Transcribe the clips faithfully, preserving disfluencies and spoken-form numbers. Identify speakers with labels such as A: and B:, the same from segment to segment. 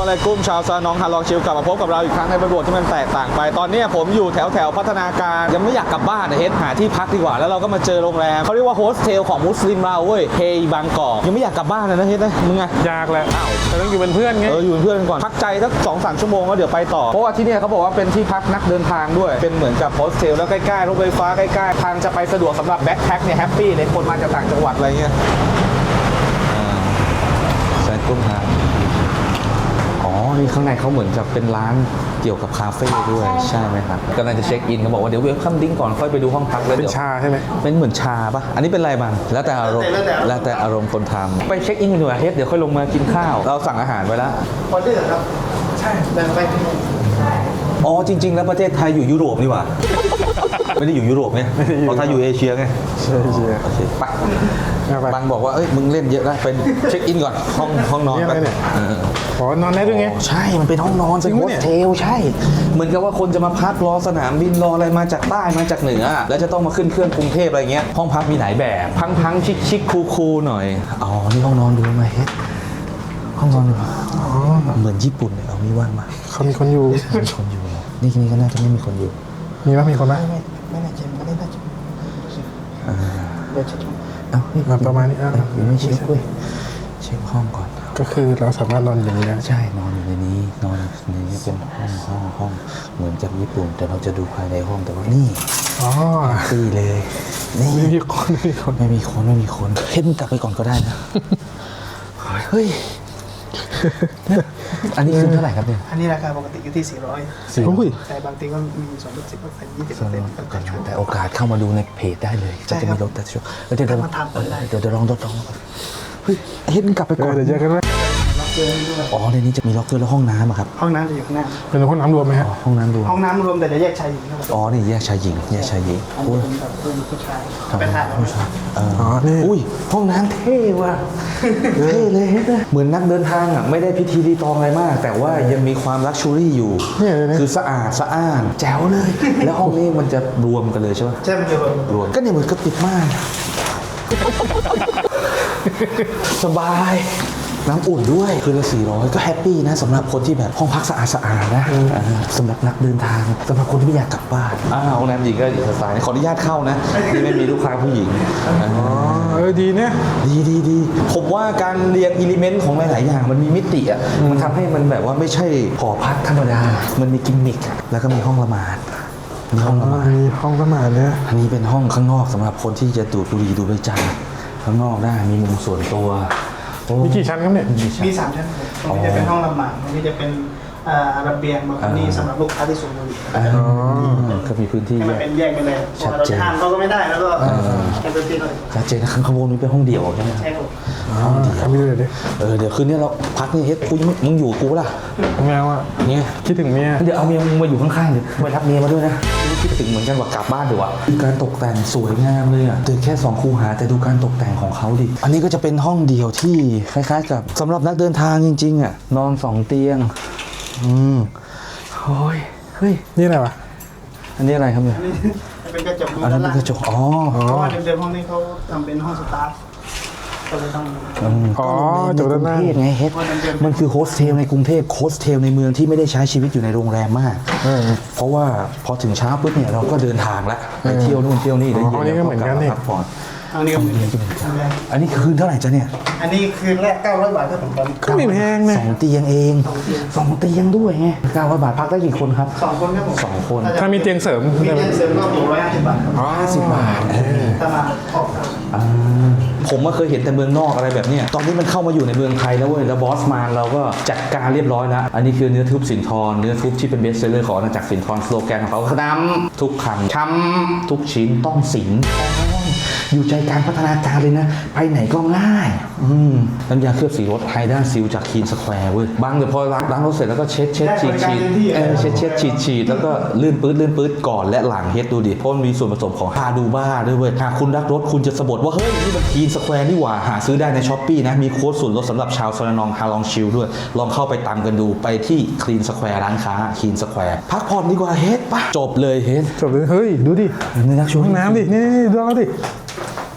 A: อะไรกุ้มชาวซาน้องฮาลองชิลกลับมาพบกับเราอีกครั้งในบริบทที่มันแตกต่างไปตอนนี้ผมอยู่แถวแถวพัฒนาการยังไม่อยากกลับบ้านนะเฮ็ดหาที่พักดีกว่าแล้วเราก็มาเจอโรงแรมเขาเรียกว่าโฮสเทลของมุสลิมเราเว้ยเฮย์บางกอกยังไม่อยากกลับบ้านเลยนะเฮ็ดนะมึงไง
B: ยากแหละอ้าวแต่ต้องอยู่เป็นเพื่อนไง
A: เอออยู่เป็นเพื่อนกันก่อนพักใจสักสองสามชั่วโมงแล้วเดี๋ยวไปต่อเพราะว่าที่นี่เขาบอกว่าเป็นที่พักนักเดินทางด้วยเป็นเหมือนกับโฮสเทลแล้วใกล้ๆรถไฟฟ้าใกล้ๆทางจะไปสะดวกสำหรับแบ็คแพ็คเนี่ยแฮปปี้เลยคนมาจากต่างจังหวัดอะไรเงี้ยแซนกุ้งฮาอ๋อนี่ข้างในเขาเหมือนจะเป็นร้านเกี่ยวกับคาเฟ่ด้วยใช่ไหมครับกำลังจะเช็คอินเขาบอกว่าเดี๋ยวเวลคัมดิ้งก่อนค่อยไปดูห้องพักแล้ว
B: เป็น
A: เดี๋ยว
B: ชาใช่ไหม
A: เป็นเหมือนชาปะอันนี้เป็นอะไรบ้างแล้วแต่อารมณ์แล้วแต่อารมณ์คนทำไปเช็คอินกันดีกว่าเฮ็ดเดี๋ยวค่อยลงมากินข้าวเราสั่งอาหารไว้แล้ว
C: ออเดอร์ครับใช่แบ่งไปที่นู่น
A: อ๋อจริงๆแล้วประเทศไทยอยู่ยุโรปนี่หว่าไม่ได้อยู่ยุโรปไงเพราะไทยอยู่เอเชียไง
B: ใช่ใช่
A: โอเคไปบางบอกว่าเอ้ยมึงเล่นเยอะแล้วไปเช็คอินก่อนห้องห้องนอนไป
B: ขอนอนได้ด้วยไง
A: ใช่มันเป็นห้องนอนเป็นโฮสเทลใช่เหมือนกับว่าคนจะมาพักรอสนามบินรออะไรมาจากใต้มาจากเหนือแล้วจะต้องมาขึ้นเครื่องกรุงเทพอะไรเงี้ยห้องพักมีหลายแบบพังๆชิคๆคูลๆหน่อยอ๋อนี่ห้องนอนดูไหมเฮ็ดห้องนอนดูเหมือนญี่ปุ่นเลยเอามีว่างมา
B: เขามีคนอยู่
A: มีคนอยู่นี่นี่ก็น่าจะไม่มีคนอยู่
B: มีไหมมีคนไหม
C: ไม่ไม่น่าจะไม่ได้น่าจะเดี๋ยวเช็ค
A: เอ้า
B: ประมาณนี้อ่ะ
A: ยังไม่เช็คด้วยเช็คห้องก่อน
B: ก็คือเราสามารถนอนอย่างนี้ได้
A: ใช่นอนอยู่ในนี้นอนในนี้เป็นห้องห้องห้องเหมือนกับญี่ปุ่นแต่เราจะดูภายในห้องแต่ว่านี่
B: อ๋อ
A: ตีเลย
B: นี่ไม่มีคนไม่มีคน
A: ไม่มีคนไม่มีคนเฮ้ยกลับไปก่อนก็ได้นะเฮ้ยอันนี้คือเท่าไหร่ครับเนี่ย
C: อันนี้ราคาปกติอยู่ที่สี่ร้อย
A: สี่ร้อย
C: แต่บางทีก็มีส่วนลดสิบเปอร์เซ็นต์ยี่สิบเปอร์เซ็นต์
A: แต่โอกาสเข้ามาดูในเพจได้เลยจะจะมีลดแต่ช่วงเดี๋ยวเดี๋ยวเดี๋ยวเดี๋ยวลองลดลองเฮ้ยเฮ็ดกลับไปก่อน
B: เดี๋ยวเจอกันไหม
A: อ๋อในนี้จะมีล็อกเกอร์แล้วห้องน้ำครับ
C: ห้องน้ำจะอยู่ข้างหน้า
B: เป็นห้องน้ำรวมไหมฮะ
A: ห้องน้ำรวม
C: ห้องน้ำรวมแต่จะแยกชายหญิงครับ
A: อ๋อนี่แยกชายหญิงแยกชายหญิง
C: โอ้ยผู้ชายเป็นทหาร
A: อ๋อนี่อุ้ยห้องน้ำเท่ว่ะเท่เลยเหมือนนักเดินทางอ่ะไม่ได้พิธีรีตองอะไรมากแต่ว่ายังมีความลักชัวรี่อยู่คือสะอาดสะอ้านแจ๋วเลยแล้วห้องนี้มันจะรวมกันเลยใช่ไหม
C: ใช่มันจะ
A: รวมก็เนี่ยเหมือนกับติดม่านสบายน้ำอุ่นด้วยคือละสี่ร้อยก็แฮปปี้นะสำหรับคนที่แบบห้องพักสะอาดสะอาดนะสำหรับนักเดินทางสำหรับคนที่ไม่อยากกลับบ้านอ้าวโรงแรมหญิงก็อีกสไตล์ขออนุญาตเข้านะที่ไม่มีลูกค้าผู้หญิง
B: อ๋อเออดีเนี่ย
A: ดีดีดีผมว่าการเรียงอิเลเมนต์ของหลายๆอย่างมันมีมิติอ่ะมันทำให้มันแบบว่าไม่ใช่หอพักธรรมดามันมีกิมมิคแล้วก็มีห้องละหมาด
B: มีห้องละหมาดมีห้องละหมาดเนี่ย
A: อันนี้เป็นห้องข้างนอกสำหรับคนที่จะดูดบุหรี่ดูใบจันทร์ข้างนอกได้มีมุมส่วนตัว
B: มีกี่ชั้นครับเนี่ย
C: มีสามชั้นตรงนี้จะเป็นห้องละหมาดตรงนี้จะเป็นระเบียงบางคนนี่สำหรับลูกค้าที่สูงอายุ
A: ก็มีพื้นที่
C: ให้มันเป็นแยกไปเลยชัดเจนห้ามเขาก็ไม่ได้แล้วก็เป็นพื้นที่เลย
A: ชัดเจนนะข้างบนนี้เป็นห้องเดี่ยวใช่ไหม
C: ใช่ครับ
A: ห้องเดี่ยว
B: ไม่เลยดิ
A: เออเดี๋ยวคืนนี้เราพักนี่เฮ็ดกูมึงอยู่กูล่ะ
B: แมวอ่ะ
A: เนี่ย
B: คิดถึงเมีย
A: เดี๋ยวเอาเมียมึงมาอยู่ข้างๆเดี๋ยวไปรับเมียมาด้วยนะคิดถึงเหมือนกันว่ากลับบ้านเดี๋ยวอ่ะการตกแต่งสวยงามเลยอ่ะตึกแค่สองคูหาแต่ดูการตกแต่งของเขาดิอันนี้ก็จะเป็นห้องเดี่ยวที่คล้ายๆกับสำหรับนักเดินทางจริงๆอ่ะนอนสองเตียงอืมโอ้ยเฮ้ย
B: นี่อะไรวะ
A: อันนี้อะไรครับเนี่ย
C: เป็นกระจก
A: อันนั้นเป็นกระจกอ๋อ
C: เพราะว่าเดิมๆห้องนี้เขาทำเป็นห้องสตาฟก็เลยต้อง
B: อ๋อจบแล้วนะ
A: ไงเฮ็ดมันคือโฮสเทลในกรุงเทพโฮสเทลในเมืองที่ไม่ได้ใช้ชีวิตอยู่ในโรงแรมมากเพราะว่าพอถึงเช้าปุ๊บเนี่ยเราก็เดินทางแล้วไปเที่ยวนู่นเที่ยวนี่
B: แล้วเย็นเราก็กลับมาพักผ่อน
C: อันนี้ก็เหมือนกัน
A: อันนี้คืนเท่าไหร่จ๊ะเนี่ย
C: อันนี้คืนแรกเก้าร้อยบาทครับผม
B: ก็ไม่แพงนะ
A: สองเตียงเองสองเตียงด้วยไงเก้าร้อยบาทพักได้กี่คนครับ
C: สองคนครับผม
A: สองคน
B: ถ้ามีเตียงเสริม
C: มีเตียงเสริมก็หกร้อยห้าสิบบาท
A: อ๋อห้าสิบบาท
C: ถ้ามาออก
A: ผมก็เคยเห็นแต่เมืองนอกอะไรแบบนี้ตอนนี้มันเข้ามาอยู่ในเมืองไทยแล้วเว้ยแล้วบอสมานเราก็จัดการเรียบร้อยแล้วอันนี้คือเนื้อทุบสินทรเนื้อทุบที่เป็นเบสเซลเลอร์ของอาณาจักรสินทรสโลแกนของเขาคือดำทุกคำช้ำทุกชิ้นต้องสินอยู่ใจกลางพัฒนาการเลยนะไปไหนก็ง่ายอืมน้ำยาเคลือบสีรถไฮด้าซิลจากคีนสแควร์เว้ยบางเดี๋ยวพอล้างล้างรถเสร็จแล้วก็เช็ดเช็ดฉีดฉีดเออเช็ดเช็ดฉีดฉีดแล้วก็ลื่นปื๊ดลื่นปื๊ดก่อนและหลังเฮ็ดดูดิเพราะมันมีส่วนผสมของฮาดูบ้าด้วยเว้ยหากคุณรักรถคุณจะสะบัดว่าเฮ้ยนี่มันคีนสแควร์นี่หว่าหาซื้อได้ในช้อปปี้นะมีโค้ดส่วนลดสำหรับชาวซาลานองฮาลองชิลด้วยลองเข้าไปตามกันดูไปที่คลีนสแควร์ร้านค้าคลีนสแควร์พักผ่อนดีกว่าเฮ็ดปะจบเลยเฮ็ด
B: จบเลยเฮ้ยดูดิ
A: นี่นักช่วย
B: ห้องน้ำดินี่นี่ดูเอาดิ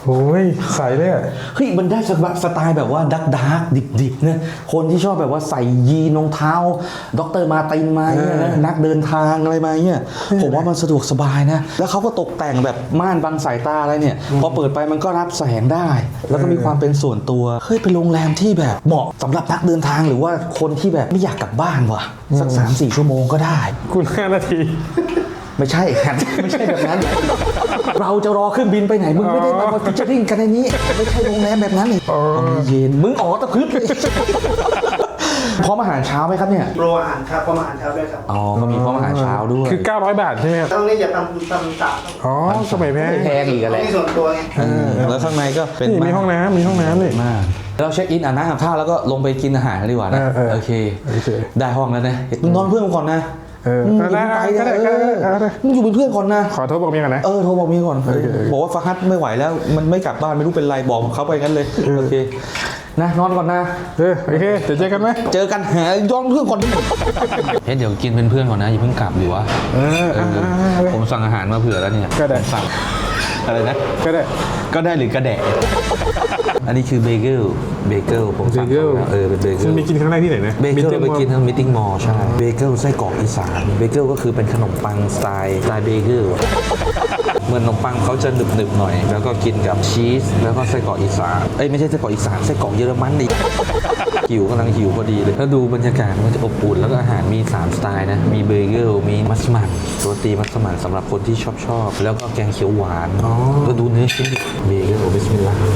B: โอ้ยใสเลยอะ
A: เฮ้ยมันได้สไตล์แบบว่าดักดาร์กดิบๆเนี่ยคนที่ชอบแบบว่าใส่ยีนรองเท้าด็อกเตอร์มาตินมาเนี่ยนะนักเดินทางอะไรมาเนี่ยผมว่ามันสะดวกสบายนะแล้วเขาก็ตกแต่งแบบม่านบังสายตาอะไรเนี่ยพอเปิดไปมันก็รับแสงได้ แล้วก็มีความเป็นส่วนตัวเฮ้ยเป็นโรงแรมที่แบบเหมาะสำหรับนักเดินทางหรือว่าคนที่แบบไม่อยากกลับบ้านว่ะสัก สามสี่ ชั่วโมงก็ได้
B: คุณห้านาที
A: ไม่ใช่ครับ ไม่ใช่แบบนั้น เราจะรอเครื่องบินไปไหนมึงไม่ได้มาพิจาริ่งกันในนี้ไม่ใช่โรงแรมแบบนั้นเลยเย็นมึงอ๋อตะพึดเลยพร้อมอาหารเช้าไหมครับเนี่ย
C: โปรอาหารครับพร้อมอาหารเช้าด้วยครับ
A: อ๋อก็มีพร้อมอาหารเช้าด้วย
B: คือเก้าร้อยบาทใช่ไหมครับ
C: ตรงนี้จะทำทำสาม
B: อ๋อสมัยแพง
A: ไม่แพงอีก
C: ตร
A: อะไร
C: งนี้ส่วนตัวไง
A: เออแล้วข้างในก็เป็น
B: นี่มีห้องน้ำมีห้องน้ำนี่
A: มากเราเช็คอินอ่านน้ำอาบท่าแล้วก็ลงไปกินอาหารกันดีกว่านะ
B: เออเออ
A: โอเค
B: โอเค
A: ได้ห้องแล้วนะมึงนอนเพื่อนก่อนนะ
B: เออ
A: มึง
B: ได้
A: อย่าเพิ่งไป
B: ได้
A: นะ
B: ได้
A: เออ
B: ได้ได้
A: มึงอยู่เป็นเพื่อนก่อนนะ
B: ขอโทษบอกเมียก่อนนะ
A: เออโทรบอกเมียก่อน
B: โอเคโอเค
A: บอกว่าฟาฮัดไม่ไหวแล้วมันไม่กลับบ้านไม่รู้เป็นไรบอกเขาไปงั้นเลยโอเคนะนอนก่อนนะ
B: เออโอเคเดี๋ยวเจอกันไหม
A: เจอกันหาย้อนเพื่อนก่อนดิเฮ้ยเดี๋ยวกินเป็นเพื่อนก่อนนะอย่าเพิ่งกลับอยู่วะ
B: เออ
A: เอ
B: อ่า
A: อ
B: อ่าอ่า
A: ผมสั่งอาหารมาเผื่อแล้วเนี่ย
B: ก็ได้
A: ผมสั่งอะไรนะ
B: ก็ได้
A: ก็ได้หรือกระแดะอันนี้คือเบเกิลเบเกิลผมสั่ง
B: เบเกิล
A: มาแล้วเออเป็นเบเกิ
B: คุ
A: ล
B: ณมีกินครั้งแรกที่ไหนนะ
A: เบเกิล
B: Meeting
A: ไปกิน
B: Mall
A: ทั้งมิทติ้งมอลล์ใช่เบเกิลไส้กรอกอีสานเบเกิลก็คือเป็นขนมปังสไตล์สไตล์เบเกิลเหมือนขนมปังเขาจะหนึบๆหน่อย แล้วก็กินกับชีสแล้วก็ไส้กรอกอีสานเอ้ยไม่ใช่ไส้กรอกอีสานไส้กรอกเยอรมันดิหิวกำลังหิวพอดีเลยแล้วดูบรรยากาศมันจะอบอุ่นแล้วก็อาหารมีสามสไตล์นะมีเบเกิลมีมัสมั่นโรตีมัสมั่นสำหรับคนที่ชอบชอบแล้วก็แกงเขียวหวานแล้วดูเนื้อชิ้นดิเบเกิลบิสมิลลาห์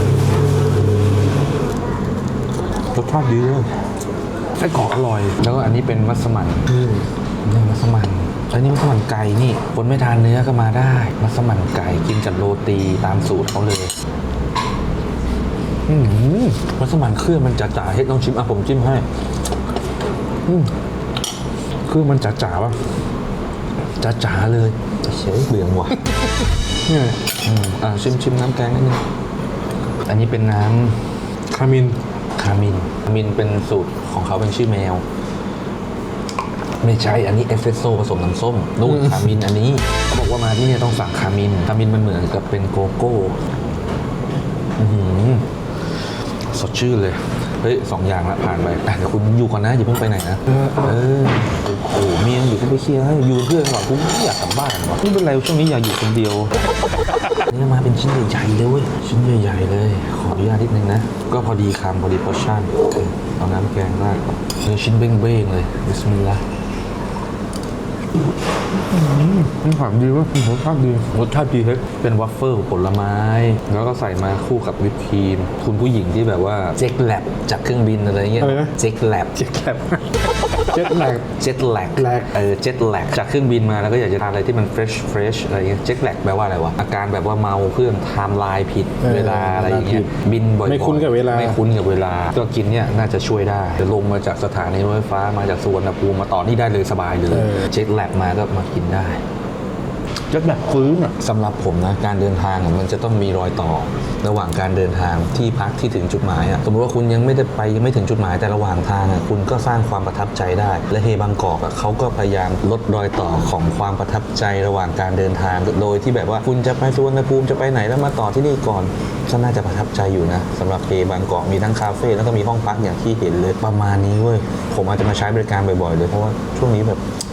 A: รสชาติดีเลยไส้กรอกอร่อย แล้วก็อันนี้เป็นมัสมั่นนี่มัสมั่นอันนี้มัสมั่นไก่นี่คนไม่ทานเนื้อก็มาได้มัสมั่นไก่กินกับโรตีตามสูตรเขาเลยอืมมัสมั่นเครื่องมันจ๋าๆให้ต้องชิมอ่ะผมจิ้มให้อืมเครื่องมันจ๋าๆป่ะจ๋าๆเลยเฉยเบื่อว่ะ
B: นี่ไง
A: อืมอ่ะชิมชิมน้ำแกงนิดนึงอันนี้เป็นน้ำ
B: คามิน
A: คามินคามินเป็นสูตรของเขาเป็นชื่อแมว ไม่ใช่ อันนี้เอสเปรสโซ่ผสมน้ำส้มนู่นคามินอันนี้เขาบอกว่ามาที่เนี่ยต้องสั่งคามินคามินมันเหมือนกับเป็นโกโก้อื้อหือสดชื่นเลย เฮ้ยสองอย่างละผ่านไปอ่ะเดี๋ยวคุณอยู่ก่อนนะอย่าเพิ่งไปไหนนะ
B: เออ
A: เออโอ้โหเมียอยู่ที่ไปเคลียร์ให้อยู่เป็นเพื่อนก่อนกูไม่อยากกลับบ้านว่ะไม่เป็นไรช่วงนี้อยากอยู่คนเดียว นี่มาเป็นชิ้นใหญ่ๆเลยเว้ยชิ้นใหญ่ๆเลย ขออนุญาตนิดนึงนะ ก็พอดีคำพอดีพอชั่นเอาน้ำแกงราดเนื้อชิ้นเบ้งๆเลยบิสมิลลาห์
B: มันหอมดีว่ะรสชาติดี
A: รสชาติดีเฮ้ยเป็นวัฟเฟิลผลไม้ แล้วก็ใส่มาคู่กับวิปครีม คุณผู้หญิงที่แบบว่าเจ็ตแลบจากเครื่องบินอะไรเงี้ย
B: อะไรนะ
A: เจ็ตแลบ
B: เจ็ดแลบเจ็ดแลบ
A: เจ็ตแลก
B: แลก
A: เออเจ็ตแลกจากเครื่องบินมาแล้วก็อยากจะทานอะไรที่มันเฟรชเฟรชอะไรเงี้ยเจ็ตแลกแปลว่าอะไรวะอาการแบบว่าเมาเครื่องไทม์ไลน์ผิด
B: เออ
A: เวลาอะไรอย่างเงี้ย
B: เวลาผิด
A: บินบ่อยๆ
B: ไม่คุ้นกับเวลา
A: ไม่คุ้นกับเวลาก็กินเนี่ยน่าจะช่วยได้จะลงมาจากสถานีรถไฟฟ้ามาจากสุวรรณภูมิมาต่อนี่ได้เลยสบายเลยเจ็ตแลกมาก็มากินได้
B: เจ็ดแลบฟื้นอ่ะ
A: สำหรับผมนะการเดินทางอะมันจะต้องมีรอยต่อ ระหว่างการเดินทางที่พักที่ถึงจุดหมายอะสมมติว่าคุณยังไม่ได้ไปยังไม่ถึงจุดหมายแต่ระหว่างทางอะคุณก็สร้างความประทับใจได้ และเฮบางกอกอะเขาก็พยายามลดรอยต่อของความประทับใจระหว่างการเดินทางโดยที่แบบว่าคุณจะไปสุวรรณภูมิจะไปไหนแล้วมาต่อที่นี่ก่อนก็น่าจะประทับใจอยู่นะสำหรับเฮบางกอกมีทั้งคาเฟ่แล้วก็มีห้องพักอย่างที่เห็นเลยประมาณนี้เว้ยผมอาจจะมาใช้บริการบ่อยๆเลยเพราะว่าช่วงนี้แบบ